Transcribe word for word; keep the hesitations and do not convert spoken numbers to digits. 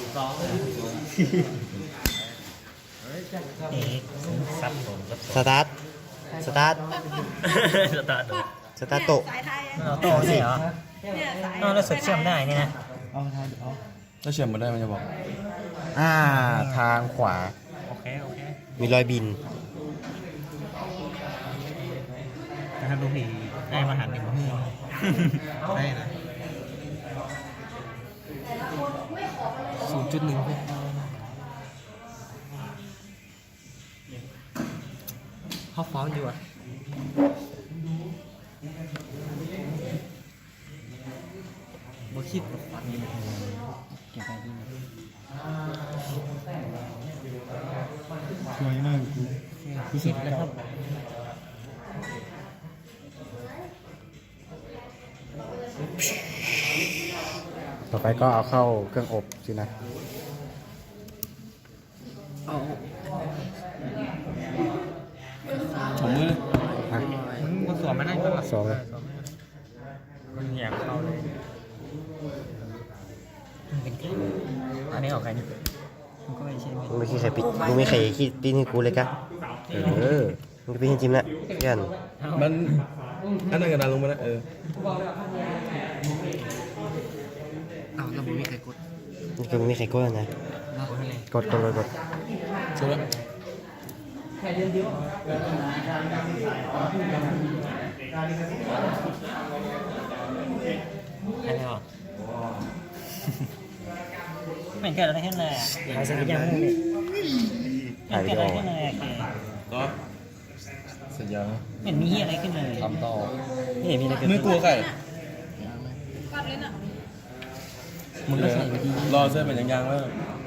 สองเอ๊ะซับผมซับสตาร์ทสตาร์ทสตาร์ทสตาร์ทโตะสายไทยเราโตสิเหรอเนี่ยสายอ๋อเราสุดเชื่อมได้นี่นะถ้าเชื่อมมาได้มันจะบอกอ่าทางขวาโอเคโอเคมีรอยบินแต่ถ้าลูกพี่ได้มาหันหนึ่งมือได้นะศูนย์จุดหนึ่งเขาฟ้องอยู่อ่ะบ่คิดฟันเก็บไปดีสวยมากกูคิดแล้วครับต่อไปก็เอาเข้าเครื่องอบสินะถุงมืออ่ะมึงกูสวมมานั่งก็หลับสวมเลยมันแยกเข้าเลยมันเป็นแค่อันนี้ออกใครนี่มันก็ไม่ใช่มึงไม่คิดใครปิดมึงไม่ใครคิดปิ้นให้กูเลยกะเออมึงจะปิ้นให้จิมละเพื่อนมันอันนั้นกระดานลงมาแล้วเอออ้าวแล้วมึงไม่เคยกดนี่คือมึงไม่ใครกดนะกดอะไรกดกดกดกดใช่ไหมอันนี้ออกไม่เกิดอะไรขึ้นเลยอ่ะหายสัญญาณเลยถ่ายไม่วิเกิดดีอะโอไรขึ้นเลยโอเคก็สัญญาไม่เห็นมีเหี้ยอะไรขึ้นเลยทำต่อไม่เห็นมีอะไรเกิดไม่กลัวใครกัดเลยน่ะมึงก็ใส่ไปดีรอเส้นเป็นยางๆแล้วม